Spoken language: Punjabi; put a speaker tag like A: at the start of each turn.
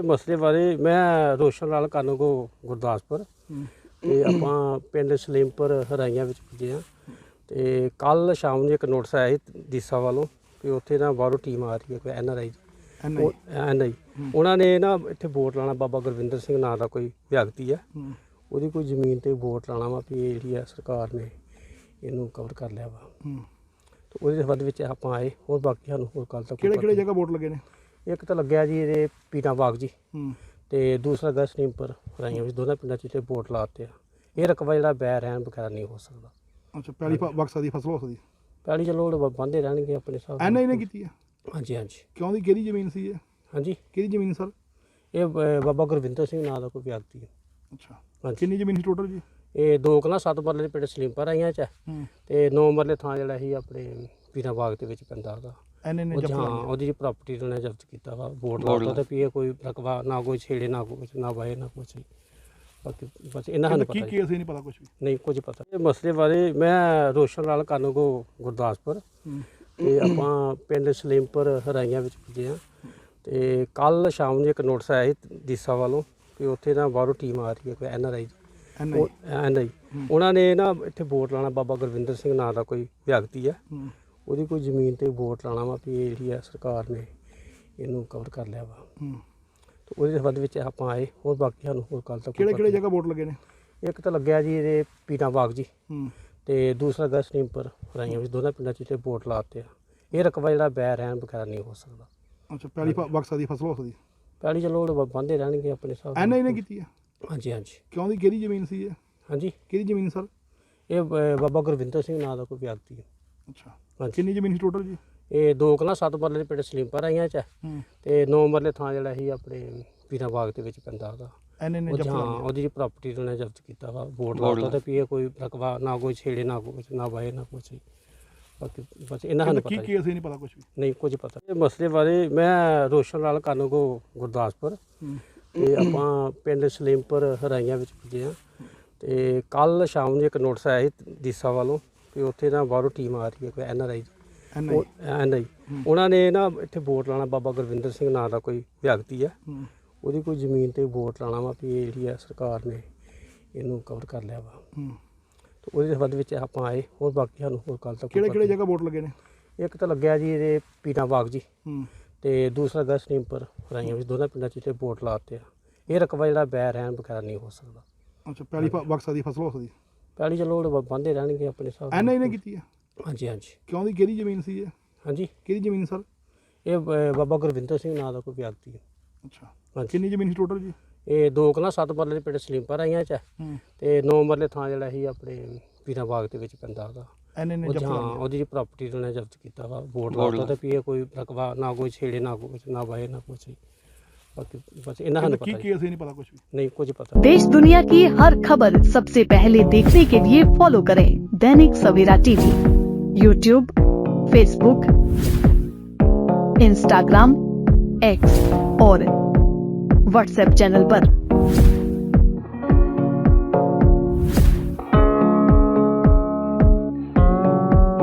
A: ਮਸਲੇ ਬਾਰੇ ਮੈਂ ਰੋਸ਼ਨ ਲਾਲ ਕਾਨੂੰਗੋ ਗੁਰਦਾਸਪੁਰ ਤੇ ਆਪਾਂ ਪਿੰਡ ਸਲੀਮਪੁਰ ਹਰਾਈਆਂ ਵਿੱਚ ਪੁੱਜੇ ਹਾਂ ਤੇ ਕੱਲ ਸ਼ਾਮ ਨੂੰ ਇੱਕ ਨੋਟਿਸ ਆਇਆ ਸੀ ਡੀਸਾ ਵੱਲੋਂ ਕਿ ਉੱਥੇ ਨਾ ਬਾਹਰੋਂ ਟੀਮ ਆ ਰਹੀ ਹੈ ਕੋਈ NRI ਉਹਨਾਂ ਨੇ ਨਾ ਇੱਥੇ ਵੋਟ ਲਾਉਣਾ। ਬਾਬਾ ਗੁਰਵਿੰਦਰ ਸਿੰਘ ਨਾਂ ਦਾ ਕੋਈ ਵਿਅਕਤੀ ਹੈ, ਉਹਦੀ ਕੋਈ ਜ਼ਮੀਨ ਤੇ ਵੋਟ ਲਾਉਣਾ ਵਾ ਵੀ ਇਹ ਜਿਹੜੀ ਹੈ ਸਰਕਾਰ ਨੇ ਇਹਨੂੰ ਕਵਰ ਕਰ ਲਿਆ ਵਾ। ਤੇ ਉਹਦੇ ਸੰਬੰਧ ਵਿੱਚ ਆਪਾਂ ਆਏ। ਹੋਰ ਬਾਕੀ ਸਾਨੂੰ ਹੋਰ ਕੱਲ੍ਹ ਤੱਕ
B: ਕਿਹੜੇ ਜਗ੍ਹਾ ਵੋਟ ਲੱਗੇ ਨੇ?
A: ਇੱਕ ਤਾਂ ਲੱਗਿਆ ਜੀ ਇਹਦੇ ਪੀਰਾਂ ਬਾਗ ਜੀ ਤੇ ਦੂਸਰਾ ਗਾ ਸਲੀਮਪੁਰ ਹਰਾਈਆਂ ਵਿੱਚ। ਦੋਨਾਂ ਪਿੰਡਾਂ 'ਚ ਇੱਥੇ ਵੋਟ ਲਾਤੇ ਆ। ਇਹ ਰਕਬਾ ਜਿਹੜਾ ਬੈ ਰਹਿਣ ਵਗੈਰਾ ਨਹੀਂ ਹੋ ਸਕਦਾ।
B: ਅੱਛਾ, ਪਹਿਲੀ ਬਕਸਾ ਦੀ ਫਸਲ ਹੋ ਸਕਦੀ?
A: ਪਹਿਲੀ ਚਲੋ ਬੰਦੇ ਰਹਿਣਗੇ ਆਪਣੇ ਹਿਸਾਬ ਨਾਲ।
B: NRI ਨੇ ਕੀਤੀ ਹੈ?
A: ਹਾਂਜੀ ਹਾਂਜੀ।
B: ਕਿਉਂ ਦੀ ਕਿਹੜੀ ਜ਼ਮੀਨ ਸੀ ਇਹ?
A: ਹਾਂਜੀ,
B: ਕਿਹਦੀ ਜ਼ਮੀਨ ਸਰ?
A: ਇਹ ਬਾਬਾ ਗੁਰਵਿੰਦਰ ਸਿੰਘ ਨਾਂ ਦਾ ਕੋਈ ਵਿਅਕਤੀ ਹੈ।
B: ਅੱਛਾ,
A: ਹਾਂਜੀ।
B: ਕਿੰਨੀ ਜ਼ਮੀਨ ਸੀ ਟੋਟਲ ਜੀ?
A: ਇਹ 2 ਕਨਾਲ 7 ਮਰਲੇ ਦੇ ਪਿੰਡ ਸਲੀਮਪੁਰ ਆਈਆਂ 'ਚ ਤੇ 9 ਮਰਲੇ ਥਾਂ ਜਿਹੜਾ ਸੀ ਆਪਣੇ ਪੀਰਾਂ ਬਾਗ ਦੇ ਵਿੱਚ ਪੈਂਦਾ ਉਹਦਾ।
B: NRI ਨੇ
A: ਹਾਂ, ਉਹਦੀ ਪ੍ਰਾਪਰਟੀ ਉਹਨੇ ਜ਼ਬਤ ਕੀਤਾ ਵਾ। ਵੋਟ ਲਾਉਂਦਾ ਤੇ ਵੀ ਇਹ ਕੋਈ ਰਕਬਾ ਨਾ ਕੋਈ ਛੇੜੇ ਨਾ ਕੁਛ ਨਾ ਵਾਏ ਨਾ ਕੁਛ। ਬਾਕੀ ਬਸ ਇਹਨਾਂ ਸਾਨੂੰ ਪਤਾ
B: ਕੀ ਅਸੀਂ ਨਹੀਂ ਪਤਾ ਕੁਝ ਵੀ
A: ਨਹੀਂ ਕੁਝ ਪਤਾ। ਇਹ ਮਸਲੇ ਬਾਰੇ ਮੈਂ ਰੋਸ਼ਨ ਲਾਲ ਕਾਨੂੰਗੋ ਗੁਰਦਾਸਪੁਰ ਤੇ ਆਪਾਂ ਪਿੰਡ ਸਲੀਮਪੁਰ ਹਰਾਈਆਂ ਵਿੱਚ ਪੁੱਜੇ ਹਾਂ ਤੇ ਕੱਲ ਸ਼ਾਮ ਨੂੰ ਇੱਕ ਨੋਟਿਸ ਆਇਆ ਸੀ ਡੀਸਾ ਵੱਲੋਂ ਕਿ ਉੱਥੇ ਨਾ ਬਾਹਰੋਂ ਟੀਮ ਆ ਰਹੀ ਹੈ ਕੋਈ NRI ਉਹਨਾਂ ਨੇ ਨਾ ਇੱਥੇ ਵੋਟ ਲਾਉਣਾ। ਬਾਬਾ ਗੁਰਵਿੰਦਰ ਸਿੰਘ ਨਾਂ ਦਾ ਕੋਈ ਵਿਅਕਤੀ ਹੈ, ਉਹਦੀ ਕੋਈ ਜ਼ਮੀਨ ਤੇ ਵੋਟ ਲਾਉਣਾ ਵਾ ਵੀ ਇਹ ਜਿਹੜੀ ਹੈ ਸਰਕਾਰ ਨੇ ਇਹਨੂੰ ਕਵਰ ਕਰ ਲਿਆ ਵਾ। ਤੇ ਉਹਦੇ ਸੰਬੰਧ ਵਿੱਚ ਆਪਾਂ ਆਏ। ਹੋਰ ਬਾਕੀ ਸਾਨੂੰ ਹੋਰ ਕੱਲ੍ਹ ਤੱਕ
B: ਕਿਹੜੇ ਜਗ੍ਹਾ ਵੋਟ ਲੱਗੇ ਨੇ?
A: ਇੱਕ ਤਾਂ ਲੱਗਿਆ ਜੀ ਇਹਦੇ ਪੀਰਾਂ ਬਾਗ ਜੀ ਤੇ ਦੂਸਰਾ ਗਾ ਸਲੀਮਪੁਰ ਹਰਾਈਆਂ ਵਿੱਚ। ਦੋਨਾਂ ਪਿੰਡਾਂ 'ਚ ਇੱਥੇ ਵੋਟ ਲਾਤੇ ਆ। ਇਹ ਰਕਬਾ ਜਿਹੜਾ ਬੈ ਰਹਿਣ ਵਗੈਰਾ ਨਹੀਂ ਹੋ ਸਕਦਾ।
B: ਅੱਛਾ, ਪਹਿਲੀ ਬਕਸਾ ਦੀ ਫਸਲ ਹੋ ਸਕਦੀ?
A: ਪਹਿਲੀ ਚਲੋ ਬੰਦੇ ਰਹਿਣਗੇ ਆਪਣੇ ਹਿਸਾਬ ਨਾਲ।
B: NRI ਨੇ ਕੀਤੀ ਹੈ?
A: ਹਾਂਜੀ ਹਾਂਜੀ।
B: ਕਿਉਂ ਦੀ ਕਿਹੜੀ ਜ਼ਮੀਨ ਸੀ ਇਹ?
A: ਹਾਂਜੀ,
B: ਕਿਹਦੀ ਜ਼ਮੀਨ ਸਰ?
A: ਇਹ ਬਾਬਾ ਗੁਰਵਿੰਦਰ ਸਿੰਘ ਨਾਂ ਦਾ ਕੋਈ ਵਿਅਕਤੀ ਹੈ।
B: ਅੱਛਾ,
A: ਹਾਂਜੀ।
B: ਕਿੰਨੀ ਜ਼ਮੀਨ ਸੀ ਟੋਟਲ ਜੀ?
A: ਇਹ 2 ਕਨਾਲ 7 ਮਰਲੇ ਦੇ ਪਿੰਡ ਸਲੀਮਪੁਰ ਆਈਆਂ 'ਚ ਤੇ 9 ਮਰਲੇ ਥਾਂ ਜਿਹੜਾ ਸੀ ਆਪਣੇ ਪੀਰਾਂ ਬਾਗ ਦੇ ਵਿੱਚ ਪੈਂਦਾ ਉਹਦਾ।
B: NRI ਨੇ
A: ਹਾਂ, ਉਹਦੀ ਪ੍ਰਾਪਰਟੀ ਉਹਨੇ ਜ਼ਬਤ ਕੀਤਾ ਵਾ। ਵੋਟ ਲਾਉਂਦਾ ਤੇ ਵੀ ਇਹ ਕੋਈ ਰਕਬਾ ਨਾ ਕੋਈ ਛੇੜੇ ਨਾ ਕੁਛ ਨਾ ਵਾਏ ਨਾ ਕੁਛ। ਬਾਕੀ ਬਸ ਇਹਨਾਂ ਸਾਨੂੰ ਪਤਾ
B: ਕੀ ਅਸੀਂ ਨਹੀਂ ਪਤਾ ਕੁਝ ਵੀ
A: ਨਹੀਂ ਕੁਝ ਪਤਾ। ਇਹ ਮਸਲੇ ਬਾਰੇ ਮੈਂ ਰੋਸ਼ਨ ਲਾਲ ਕਾਨੂੰਗੋ ਗੁਰਦਾਸਪੁਰ ਤੇ ਆਪਾਂ ਪਿੰਡ ਸਲੀਮਪੁਰ ਹਰਾਈਆਂ ਵਿੱਚ ਪੁੱਜੇ ਹਾਂ ਤੇ ਕੱਲ ਸ਼ਾਮ ਨੂੰ ਇੱਕ ਨੋਟਿਸ ਆਇਆ ਸੀ ਡੀਸਾ ਵੱਲੋਂ ਕਿ ਉੱਥੇ ਨਾ ਬਾਹਰੋਂ ਟੀਮ ਆ ਰਹੀ ਹੈ ਕੋਈ NRI ਉਹਨਾਂ ਨੇ ਨਾ ਇੱਥੇ ਵੋਟ ਲਾਉਣਾ। ਬਾਬਾ ਗੁਰਵਿੰਦਰ ਸਿੰਘ ਨਾਂ ਦਾ ਕੋਈ ਵਿਅਕਤੀ ਹੈ, ਉਹਦੀ ਕੋਈ ਜ਼ਮੀਨ ਤੇ ਵੋਟ ਲਾਉਣਾ ਵਾ ਵੀ ਇਹ ਜਿਹੜੀ ਹੈ ਸਰਕਾਰ ਨੇ ਇਹਨੂੰ ਕਵਰ ਕਰ ਲਿਆ ਵਾ। ਤੇ ਉਹਦੇ ਸੰਬੰਧ ਵਿੱਚ ਆਪਾਂ ਆਏ। ਹੋਰ ਬਾਕੀ ਸਾਨੂੰ ਹੋਰ ਕੱਲ੍ਹ ਤੱਕ
B: ਕਿਹੜੇ ਜਗ੍ਹਾ ਵੋਟ ਲੱਗੇ ਨੇ?
A: ਇੱਕ ਤਾਂ ਲੱਗਿਆ ਜੀ ਇਹਦੇ ਪੀਰਾਂ ਬਾਗ ਜੀ ਤੇ ਦੂਸਰਾ ਗਾ ਸਲੀਮਪੁਰ ਹਰਾਈਆਂ ਵਿੱਚ। ਦੋਨਾਂ ਪਿੰਡਾਂ 'ਚ ਇੱਥੇ ਵੋਟ ਲਾਤੇ ਆ। ਇਹ ਰਕਬਾ ਜਿਹੜਾ ਬੈ ਰਹਿਣ ਵਗੈਰਾ ਨਹੀਂ ਹੋ ਸਕਦਾ।
B: ਅੱਛਾ, ਪਹਿਲੀ ਬਕਸਾ ਦੀ ਫਸਲ ਹੋ ਸਕਦੀ?
A: ਪਹਿਲੀ ਚਲੋ ਬੰਦੇ ਰਹਿਣਗੇ ਆਪਣੇ ਹਿਸਾਬ ਨਾਲ।
B: NRI ਨੇ ਕੀਤੀ ਹੈ?
A: ਹਾਂਜੀ ਹਾਂਜੀ।
B: ਕਿਉਂ ਦੀ ਕਿਹੜੀ ਜ਼ਮੀਨ ਸੀ ਇਹ?
A: ਹਾਂਜੀ,
B: ਕਿਹਦੀ ਜ਼ਮੀਨ ਸਰ?
A: ਇਹ ਬਾਬਾ ਗੁਰਵਿੰਦਰ ਸਿੰਘ ਨਾਂ ਦਾ ਕੋਈ ਵਿਅਕਤੀ ਹੈ।
B: ਅੱਛਾ,
A: ਹਾਂਜੀ।
B: ਕਿੰਨੀ ਜ਼ਮੀਨ ਸੀ ਟੋਟਲ ਜੀ?
A: ਇਹ 2 ਕਨਾਲ 7 ਮਰਲੇ ਦੇ ਪਿੰਡ ਸਲੀਮਪੁਰ ਆਈਆਂ 'ਚ ਤੇ 9 ਮਰਲੇ ਥਾਂ ਜਿਹੜਾ ਸੀ ਆਪਣੇ ਪੀਰਾਂ ਬਾਗ ਦੇ ਵਿੱਚ ਪੈਂਦਾ ਉਹਦਾ।
B: NRI ਨੇ
A: ਹਾਂ, ਉਹਦੀ ਪ੍ਰਾਪਰਟੀ ਉਹਨੇ ਜ਼ਬਤ ਕੀਤਾ ਵਾ। ਵੋਟ ਲਾਉਂਦਾ ਤੇ ਵੀ ਇਹ ਕੋਈ ਰਕਬਾ ਨਾ ਕੋਈ ਛੇੜੇ ਨਾ ਕੁਛ ਨਾ ਵਾਏ ਨਾ ਕੁਛ। बाकी बस इन्हें पता
B: नहीं पता कुछ भी
A: नहीं कुछ पता।
C: देश दुनिया की हर खबर सबसे पहले देखने के लिए फॉलो करें Dainik Savera TV, YouTube, Facebook, Instagram, X और व्हाट्सएप चैनल पर।